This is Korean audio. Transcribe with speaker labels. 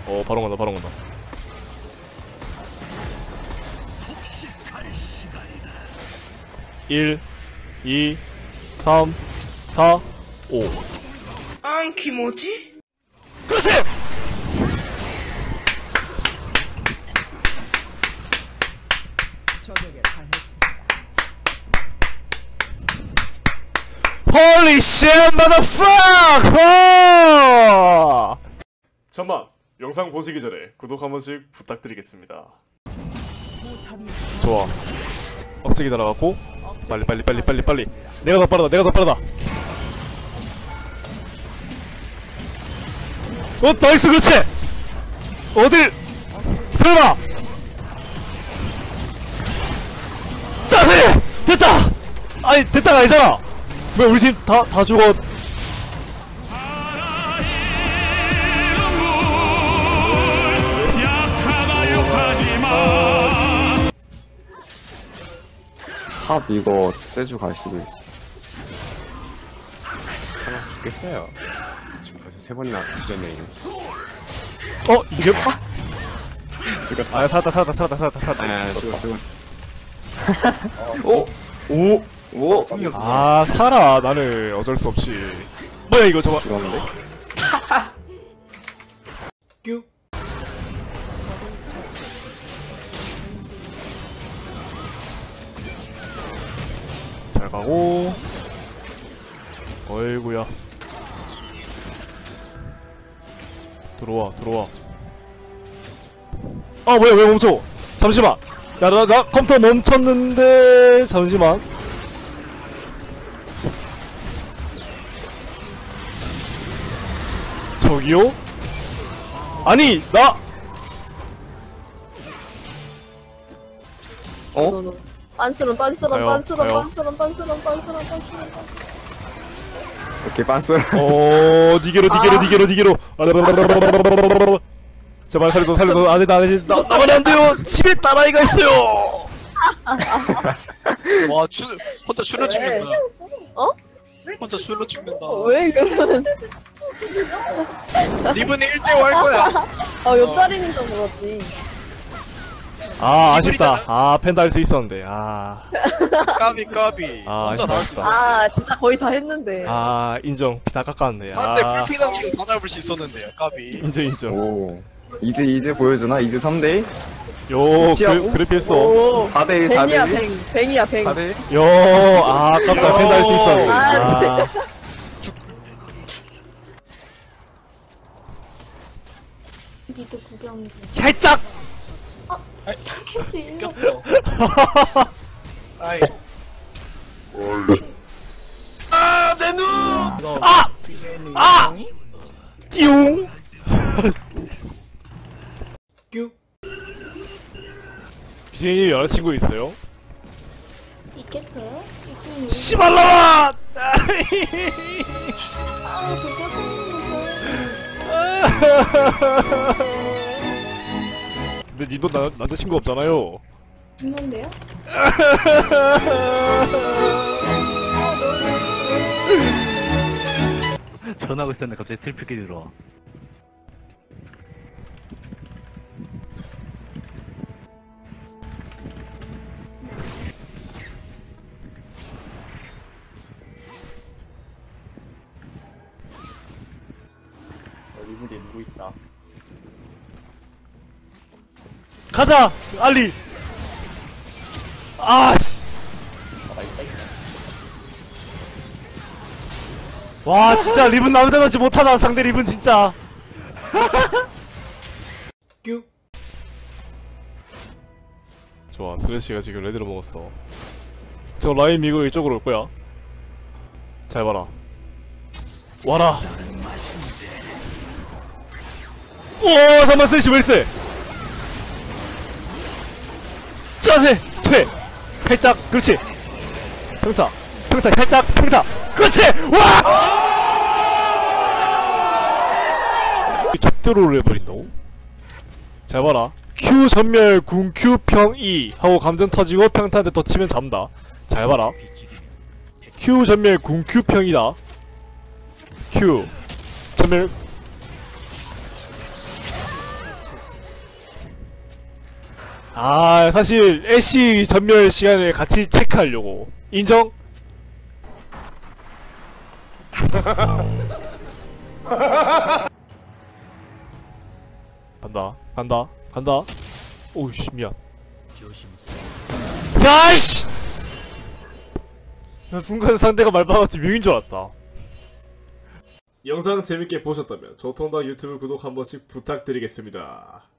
Speaker 1: 바로 간다 바로 간다. 1 2 3 4 5
Speaker 2: 안 키모지?
Speaker 1: 그렇지! Holy shit, motherfucker! 잠만, 영상 보시기 전에 구독 한 번씩 부탁드리겠습니다. 좋아. 억제기 날아갔고 빨리. 내가 더 빠르다. 나이스, 그렇지! 어딜! 설마! 짜세! 됐다! 아니, 됐다가 아니잖아! 왜 우리 팀 다 죽어?
Speaker 3: 탑 이거 세주 갈 수도 있어. 하나 죽겠어요. 벌써 3번이나 주전에.
Speaker 1: 이게
Speaker 3: 죽었다.
Speaker 1: 아, 살았다.
Speaker 3: 아, 죽었어. 오!
Speaker 1: 아, 살아. 나는 어쩔 수 없이. 뭐야 이거 저거.
Speaker 3: 죽었는데?
Speaker 1: 뀨. 잘 가고. 어이구야. 들어와. 아, 뭐야, 왜 멈춰? 잠시만. 야, 나 컴퓨터 멈췄는데. 잠시만. 저기요? 아니, 나.
Speaker 4: 빤스런.
Speaker 1: 가요.
Speaker 3: 오케이, 빤스.
Speaker 1: 니게로. 제발 살려도 안 돼. 나만 안 돼요. 집에 딸아이가 있어요.
Speaker 5: 와, 혼자 술로 찍는다.
Speaker 4: 어?
Speaker 5: 혼자 술로 찍는다.
Speaker 4: 왜 그러는?
Speaker 5: 리븐이 1대5 할 거야.
Speaker 4: 옆자리는 좀 그렇지.
Speaker 1: 아, 아쉽다. 아, 펜다 할 수 있었는데. 아,
Speaker 5: 까비.
Speaker 1: 아,
Speaker 5: 혼자 다 할 수 있어.
Speaker 4: 진짜 거의 다 했는데.
Speaker 1: 인정. 피 다 깎았네.
Speaker 5: 상대 풀피 남기고 다 잡을 수 있었는데요. 까비.
Speaker 1: 인정.
Speaker 3: 오. 이즈 보여주나? 이즈 3대1?
Speaker 1: 요,
Speaker 3: 피하고?
Speaker 1: 그래 피했어.
Speaker 3: 4대1,
Speaker 4: 뱅이야
Speaker 3: 4대1?
Speaker 4: 뱅이야 뱅.
Speaker 3: 4대1?
Speaker 1: 요, 아깝다. 펜다 할 수 있었는데. 아,
Speaker 6: 미드 구경지.
Speaker 1: 살짝!
Speaker 6: 타켓이
Speaker 5: 꼈어. 아이.
Speaker 1: 띠용! BJ님 여자친구 있어요?
Speaker 6: 있겠어요? 있으면
Speaker 1: 씨발라마!
Speaker 6: 드디어
Speaker 1: 근데 님도 남자친구 없잖아요.
Speaker 6: 있는데요?
Speaker 7: 전화하고 있었는데 갑자기 트리플끼리 들어와.
Speaker 3: 리븐이 누구 있다.
Speaker 1: 가자! 알리! 아씨! 와, 진짜 리븐 남자같이 못하다. 상대 리븐 진짜. 좋아, 스레시가 지금 레드를 먹었어. 저 라인 미고 이쪽으로 올 거야. 잘 봐라. 와라. 오, 잠깐만, 스레시 왜 이래? 자세! 퇴! 팔짝! 그렇지! 평타! 살짝! 평타! 그렇지! 와! 적대로를 해버린다고? 잘 봐라. Q 전멸 궁 Q 평 E 하고 감전 터지고 평타한테 더 치면 잡는다. 잘 봐라. Q 전멸 궁 Q 평이다. Q 전멸 아 사실 애쉬 전멸 시간을 같이 체크하려고. 인정? 간다. 오우씨 미안. 야이씨! 나 순간 상대가 말받았지 묘인 줄 알았다. 영상 재밌게 보셨다면 조통당 유튜브 구독 한 번씩 부탁드리겠습니다.